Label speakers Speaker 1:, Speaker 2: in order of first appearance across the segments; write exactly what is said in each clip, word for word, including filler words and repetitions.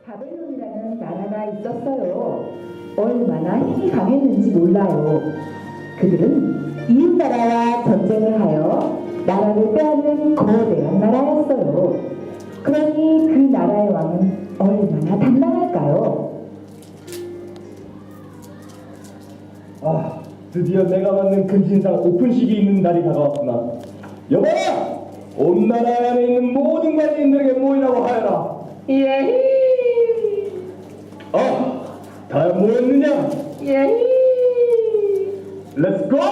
Speaker 1: 바벨론이라는 나라가 있었어요. 얼마나 힘이 강했는지 몰라요. 그들은 이웃 나라와 전쟁을 하여 나라를 빼앗는 거대한 나라였어요. 그러니 그 나라의 왕은 얼마나 단단할까요?
Speaker 2: 아, 드디어 내가 만든 금신상 오픈식이 있는 날이 다가왔구나. 여봐라! 온 나라 안에 있는 모든 관리인들에게 모이라고 하여라.
Speaker 3: 예히
Speaker 2: 아, 다 모였느냐?
Speaker 3: 예히
Speaker 2: 렛츠 고!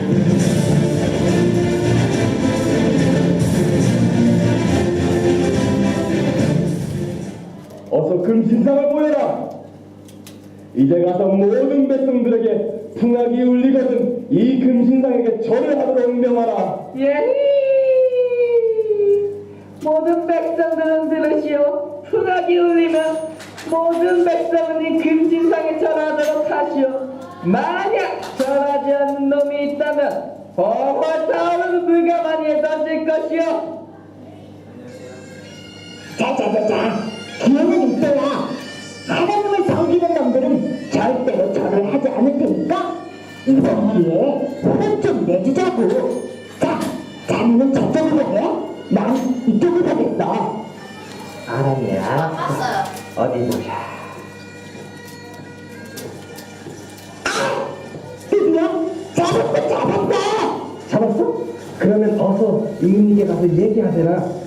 Speaker 2: 어서 금신상을 보여라. 이제 가서 모든 백성들에게 풍악이 울리거든 이 금신상에게 절을 하도록 명하라.
Speaker 3: 예히 모든 백성들은 들으시오. 풍악이 울리면 모든 백성은 이 금신상에 절하도록 하시오. 만약 절하지 않는 놈이 있다면 벌벌 타오르는 물가마니에 던질 것이오.
Speaker 1: 자자자자, 기회는 있어야. 하나님을 섬기는 놈들은 절대로 절을 하지 않을 테니까 이번 기회에 혼을 좀 내주자고. 자, 자네는 저쪽으로 해. 난 이쪽으로 하겠어.
Speaker 3: 알았냐?
Speaker 4: 봤어요.
Speaker 3: 어디 보자.
Speaker 1: 드디어 잡았어, 잡았어.
Speaker 2: 잡았어? 그러면 어서 임금님께 가서 얘기하세라.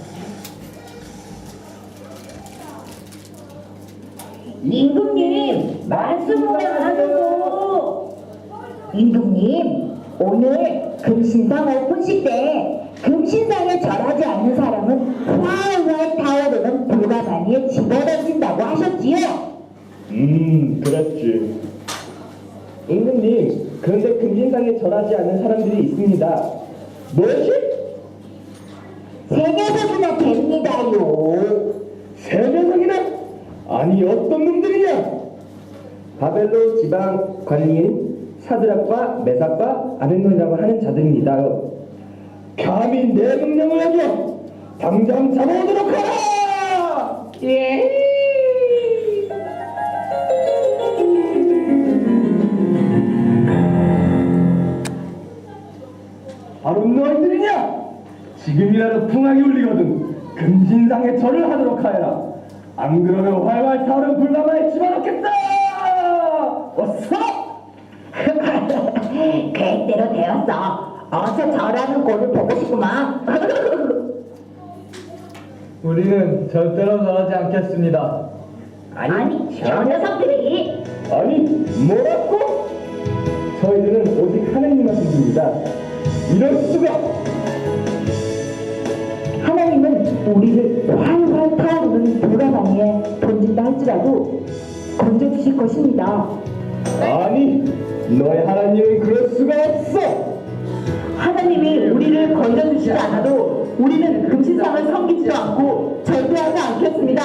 Speaker 1: 임금님, 말씀을 하시고. 임금님, 오늘 금신상 오픈식 때 금신상에 절하지 않는 사람은 활활 타오르는 불가마니에 집어던진다고 하셨지요?
Speaker 2: 음, 그랬지. 임금님, 그런데 금신상에 절하지 않는 사람들이 있습니다. 뭐지?
Speaker 1: 세 녀석이나 됩니다요.
Speaker 2: 세 명이나? 아니 어떤 놈들이냐? 바벨론 지방 관리인 사드락과 메삭과 아벤노라고 하는 자들입니다. 감히 내 명령을 어겨 당장 잡아오도록 하라!
Speaker 3: 예히
Speaker 2: 바로 너희들이냐? 지금이라도 풍악이 울리거든 금신상에 절을 하도록 하여라. 안 그러면 활활 타오른 불가마에 집어넣겠다! 어서!
Speaker 1: 계획대로 되었어. 어서 절하는 꼴을 보고 싶구만.
Speaker 2: 우리는 절대로 저러지 않겠습니다.
Speaker 1: 아니, 저 녀석들이.
Speaker 2: 아니, 뭐라고? 저희들은 오직 하나님만 믿습니다. 이럴 수가!
Speaker 1: 하나님은 우리를 활활 타오르는 불가마니에 던진다 할지라도 건져주실 것입니다.
Speaker 2: 아니, 너의 하나님은 그럴 수가 없어!
Speaker 1: 하나님이 우리를 건져주시지 않아도 우리는 금신상을 섬기지도 않고 절대하지 않겠습니다.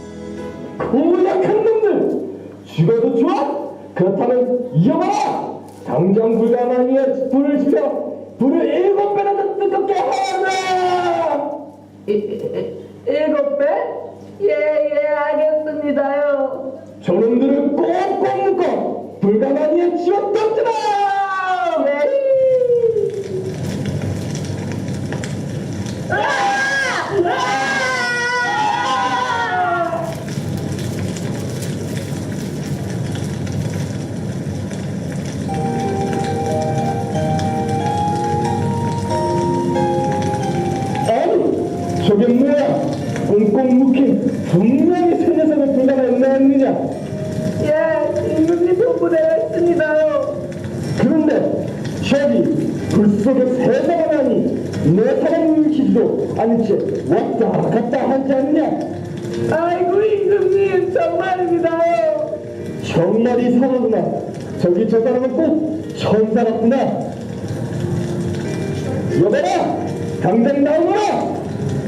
Speaker 2: 고약한 놈들! 죽어도 좋아? 그렇다면 이어봐라! 당장 불가마니에 불을 지펴 불을 일곱 배나 더 뜨겁게 하라!
Speaker 3: 이- 이- 일곱 배? 예예 알겠습니다요.
Speaker 2: 저놈들을 꼭꼭 묶어 불가마니에 집어 던져라!
Speaker 3: 예히
Speaker 2: 아니, 저게 뭐야? 꽁꽁 묶인 분명히 새 녀석을 불가마에 넣었느냐?
Speaker 3: 예 임금님 본부대가 있습니다요.
Speaker 2: 그런데 저기 불 속에 새가 나니 내 사랑을 일으키지도 않은 채 왔다 갔다 하지 않냐?
Speaker 3: 아이고 임금님 정말입니다요.
Speaker 2: 정말 이상하구나. 저기 저 사람은 꼭 천사 같구나. 여봐라! 당장 나오거라!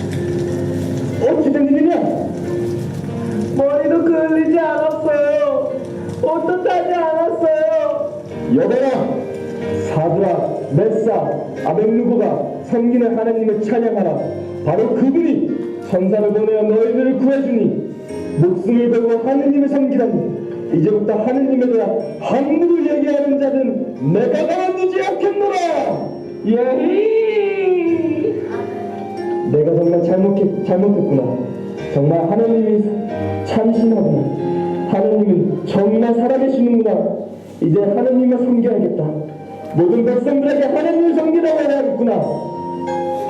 Speaker 2: 어찌 된 일이냐?
Speaker 3: 머리도 그을리지 않았어요. 옷도 타지 않았어요.
Speaker 2: 여봐라! 사드라, 메사, 아벤누고가 섬기는 하나님을 찬양하라. 바로 그분이 천사를 보내어 너희들을 구해주니 목숨을 걸고 하느님을 섬기다니 이제부터 하느님에 대한 함부로 얘기하는 자는 내가 가만두지 않겠노라.
Speaker 3: 예히.
Speaker 2: 내가 정말 잘못했, 잘못했구나. 정말 하느님이 참신하구나. 하느님은 정말 살아계시는구나. 이제 하느님을 섬겨야겠다. 모든 백성들에게 하느님을 섬기라고 해야겠구나.